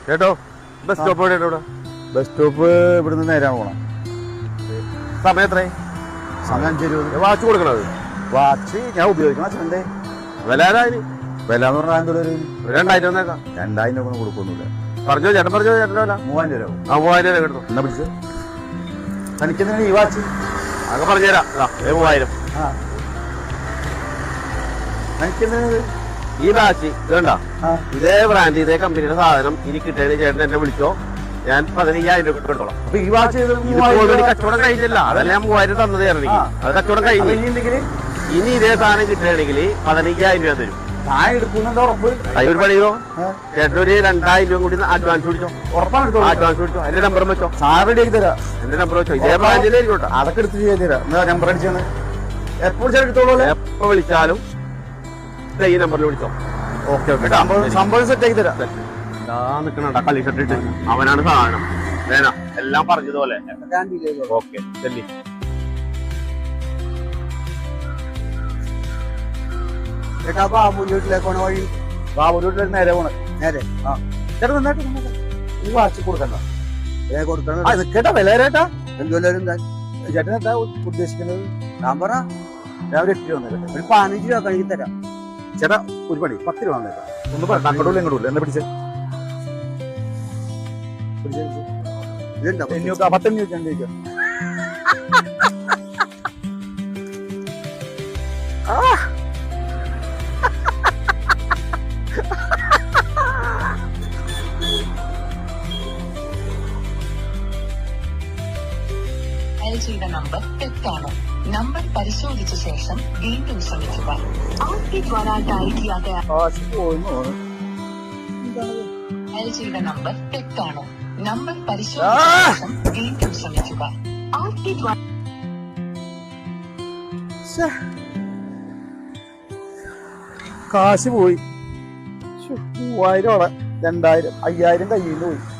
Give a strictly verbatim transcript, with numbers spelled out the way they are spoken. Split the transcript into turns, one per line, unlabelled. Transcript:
ചേട്ടോ bus stop എവിടെ ഇവിടെ?
ബസ് സ്റ്റോപ്പ് ഇവിടുന്ന് നേരാണ് പോണം.
സമയം എത്രയായി?
സമയം അഞ്ച് ഇരുപത്.
വാച്ച് കൊടുക്കണത്?
വാച്ച് ഞാൻ ഉപയോഗിക്കണം അച്ഛൻ്റെ.
വില ആരായി?
വില എന്ന് പറഞ്ഞാൽ എന്തൊരു
രണ്ടായിരം വന്നേക്കാം.
രണ്ടായിരം രൂപ ഒന്നും കൊടുക്കൊന്നുമില്ല.
പറഞ്ഞോ ചേട്ടൻ പറഞ്ഞോ ചേട്ടൻ്റെ വില
മൂവായിരം രൂപ.
ആ മൂവായിരം രൂപ കിട്ടും.
എന്നാ പിടിച്ച് തനിക്കെന്തിനാണ് ഈ വാച്ച്?
അതൊക്കെ പറഞ്ഞുതരാം. മൂവായിരം.
ആ തനിക്കെന്തിനാണ്
ഈ വാച്ച് ഇതുണ്ട? ഇതേ ബ്രാൻഡ് ഇതേ കമ്പനിയുടെ സാധനം ഇനി കിട്ടിയതിന് ചേട്ടൻ എന്നെ വിളിച്ചോ, ഞാൻ പതിനയ്യായിരം രൂപ എടുത്തോളാം.
അപ്പൊ ഈ വാച്ച്
ഓൾറെഡി കച്ചവടം കഴിഞ്ഞില്ല, അതല്ല ഞാൻ മൂവായിരം തന്നത് തരണെങ്കിൽ അത് കച്ചവടം കഴിഞ്ഞു. ഇനി ഇതേ സാധനം കിട്ടുകയാണെങ്കിൽ പതിനയ്യായിരം രൂപ തരും.
ഞാൻ എടുക്കുന്നുണ്ടോ ഉറപ്പ്?
ഒരു പണിയോ ചേട്ടൻ ഒരു രണ്ടായിരം രൂപ കൂടി അഡ്വാൻസ് പിടിച്ചോ.
ഉറപ്പാണ്
അഡ്വാൻസ് പിടിച്ചോ. എന്റെ നമ്പർ വെച്ചോ.
സാർ റെഡി ആക്കി തരാം.
എന്റെ നമ്പർ വെച്ചോ. ഇതേ ബ്രാൻഡിലേക്കോട്ടെ.
അതൊക്കെ എടുത്ത് ചെയ്ത് തരാം. എന്താ നമ്പർ അടിച്ചാണ് എപ്പോൾ എടുത്തോളൂ.
എപ്പോ വിളിച്ചാലും ഈ നമ്പറിൽ വിളിച്ചോ.
ഓക്കെ ഓക്കെ സംഭവം സെറ്റ് ആക്കി തരാം.
നിക്കണ കളി ഷർട്ടിട്ട് അവനാണ് സാധനം. വേണ എല്ലാം പറഞ്ഞതുപോലെ. ഓക്കെ ചെല്ലി.
ബാബുവിലേക്കാണ് വഴി. ബാബുവിലേക്ക് നേരെ പോണേ. നേരെ ആ ചേട്ടാ നന്നായിട്ട് ഈ വാച്ച് കൊടുക്കണ്ട. കൊടുക്കണം കേട്ടാ. വില ചേട്ടാ എന്തുവല്ലാരും ചേട്ടൻ എന്താ ഉദ്ദേശിക്കുന്നത്? ഞാൻ പറ ഞാൻ ഒരു എട്ട് രൂപ വന്നേക്കട്ടെ. ഒരു പതിനഞ്ച് രൂപ കഴുകി തരാം. ചേട്ടാ ഒരു പണി പത്ത് രൂപ വന്നേക്കാം. ഒന്ന് പറ അങ്ങോട്ടും ഇങ്ങോട്ടും എന്നെ പിടിച്ചേ. പത്തഞ്ഞൂറ് ചോദിക്കാം.
ചെയ്ത നമ്പർ തെറ്റാണ്. നമ്പർ പരിശോധിച്ച ശേഷം വീണ്ടും ശ്രമിക്കുക. ചെയ്ത നമ്പർ തെറ്റാണ്. നമ്പർ പരിശോധിച്ച ശേഷം വീണ്ടും ശ്രമിക്കുക.
കാശ് പോയി. മൂവായിരം അവിടെ രണ്ടായിരം അയ്യായിരം കയ്യിൽ നിന്ന് പോയി.